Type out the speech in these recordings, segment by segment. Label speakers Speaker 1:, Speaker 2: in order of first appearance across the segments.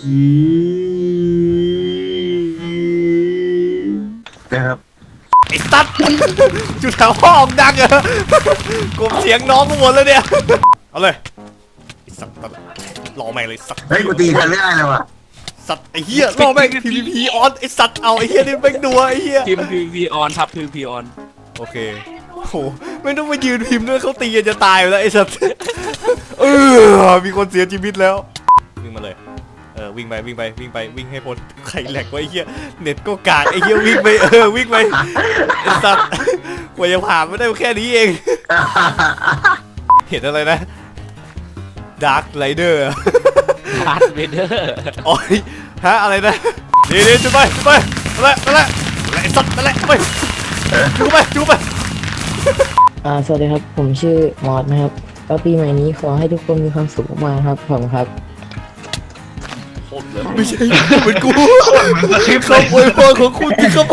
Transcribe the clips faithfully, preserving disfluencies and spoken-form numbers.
Speaker 1: นะครับ
Speaker 2: ไอ้สัตว์จุดแถวห้องดังเหรอกลมเสียงน้องทั้งหมดแล้วเนี่ยเอาเลยไอ้สัตว์รอแม่งเลยสัตว์
Speaker 1: เฮ้ยกูตีกันไม่ได้เลยว่ะ
Speaker 2: สัตว์ไอ้เหี้ยรอแม่ง พี วี พี ออนไอ้สัตว์เอาไอ้เหี้ยนี่แม่งดัวไอ้เหี้ย
Speaker 3: พิมพ์ พี วี พี ออนทับ พี วี พี ออน
Speaker 2: โอเคโอ้โหไม่ต้องมายืนพิมพ์ด้วยเขาตีกันจะตายอยู่แล้วไอ้สัตว์เออมีคนเสียชีวิตแล้ววิ่งมาเลยเออวิ่งไปวิ่งไปวิ่งไปวิ่งให้พ้นใครแหลกวะไอ้เหี้ยเน็ตก็กากไอ้เหี้ยวิ่งไปเออวิ่งไปไอ้สัตว์กว่าจะผ่านไม่ได้แค่นี้เองเห็นอะไรนะดาร์คไรเดอร์
Speaker 3: พาร์ทเวเดอร์
Speaker 2: โอ้ยฮะอะไรนะเดี๋ยวเดี๋ยวจุดไปจุดไปนั่นแหละนั่นแหละไอ้สัตว์นั่นแหละไปจุดไปจุดไป
Speaker 4: อ่าสวัสดีครับผมชื่อมอสนะครับก็ปีใหม่นี้ขอให้ทุกคนมีความสุขมากๆครับผมครับ
Speaker 2: ไม่ใช่เหมือนกูคำอวยพรของคุณที่ครับผม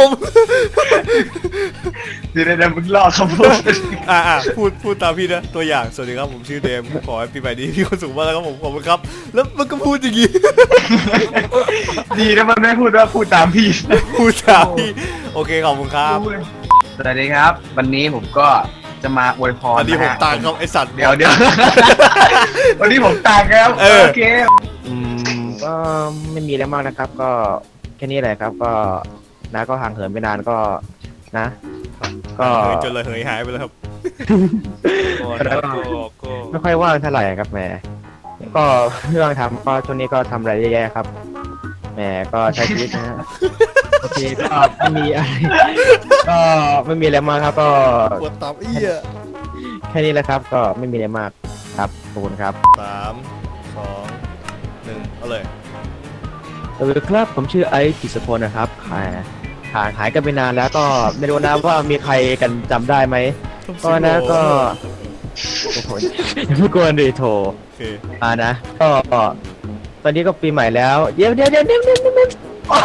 Speaker 1: เดี๋ยวเดี๋ยวมึงรอคำพูด
Speaker 2: อ่าอ่าพูดพูดตามพี่นะตัวอย่างสวัสดีครับผมชื่อเดมขอให้ปีใหม่นี้มีความสุขมากแล้วครับผมขอบคุณครับแล้วมันก็พูดอย่างงี้
Speaker 1: ดีนะมันไม่พูดว่าพูดตามพี่
Speaker 2: พูดตามพี่โอเคขอบคุณครับ
Speaker 1: สวัสดีครับ วันนี้ผมก็จะมาอวยพร
Speaker 2: อันนี้ผม
Speaker 1: ะฮะ
Speaker 2: ตางครับไอสัตว์
Speaker 1: เดี๋ยวเดี๋ยว วันนี้ผมต่างครับ
Speaker 2: เออ
Speaker 1: โอเค
Speaker 5: อืมก็ไม่มีอะไรมากนะครับ ก็แค่นี้แหละครับ ก็นะก็ห่างเหินไปนานก็นะ ก็
Speaker 2: เฮ้ยจนเลยเหยหายไปแล้วครับ
Speaker 3: ก็ก็
Speaker 5: ไม่ค่อยว่างเท่าไหร่ครับแหมก็เรื่องทำก็ช่วงนี้ก็ทำอะไรเยอะแยะครับแหมก็ใช้ชีวิตนะฮะโอเคก็ไม่มีอะไรก็ไม่มีอะไรมากครับ ก็
Speaker 2: ปวดตับเอี้ย
Speaker 5: แค่นี้แหละครับ ก็ไม่มีอะไรมากครับขอบคุณครับ
Speaker 2: สามสองหนึ่งเอาเลย
Speaker 5: สวัสดีครับผมชื่อไอซ์กิษพลนะครับหายหายหายกันไปนานแล้วก็ไม่รู้นะว่ามีใครกันจำได้ไหมก็นะก็โอ้โหอย่าพูดกวนดิโถ
Speaker 2: โอเค
Speaker 5: อ่านะก็ตอนนี้ก็ปีใหม่แล้วเดี๋ยวเดี๋ยวเดี๋ยวเดี๋ยวเดี๋ยวเดี๋ยว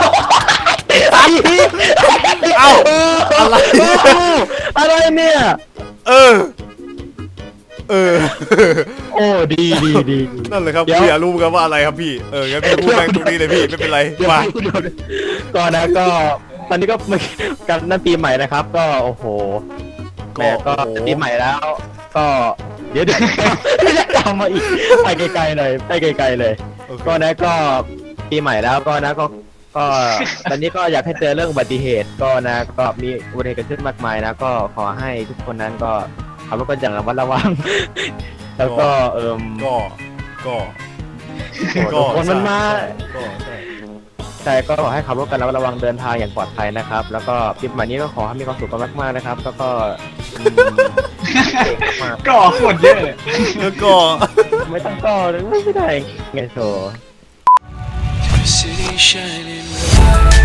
Speaker 2: เอ้าอะไร
Speaker 5: อะไรเนี่ย
Speaker 2: เออเออ
Speaker 5: โอ้ดีดีดี
Speaker 2: นั่นเลยครับ
Speaker 5: เดี๋ยว
Speaker 2: พี่อยากรู้กันว่าอะไรครับพี่เอองั้นพี่พูดแม่งตรงนี้เลยพี่ไม่เป็นไร
Speaker 5: เดี๋ยว
Speaker 2: มา
Speaker 5: เดี๋ยวก่อนนะก็ตอนนี้ก็กันนั่นปีใหม่นะครับ ก็โอ้โหแหม่ก็ปีใหม่แล้ว ก็เดี๋ยวเดี๋ยวจะตามมาอีกไปไกลๆเลยไปไกลๆเลย
Speaker 2: โอเค
Speaker 5: ก็นะก็ปีใหม่แล้วก็นะก็ก็ตอนนี้ก็อยากให้เตือนเรื่องอุบัติเหตุก็นะก็มีอุบัติเหตุเกิดขึ้นมากมายนะก็ขอให้ทุกคนนั้นก็ขับรถกันอย่างระมัดระวัง แล้วก็เอิม
Speaker 2: ก็ก็
Speaker 5: ทุกคนมันมา
Speaker 2: ก็ใช่
Speaker 5: ใช่ก็ขอให้ขับรถกันระมัดระวังเดินทางอย่างปลอดภัยนะครับ แล้วก็ปีใหม่นี้ก็ขอให้มีความสุขกันมากๆนะครับ แล้วก็อืมเก่งมาก
Speaker 1: ก่อขวดเยอะเลย
Speaker 2: แล้วก็
Speaker 5: ไม่ต้องก็เลยไม่ได้ไงโถ
Speaker 6: City shining bright.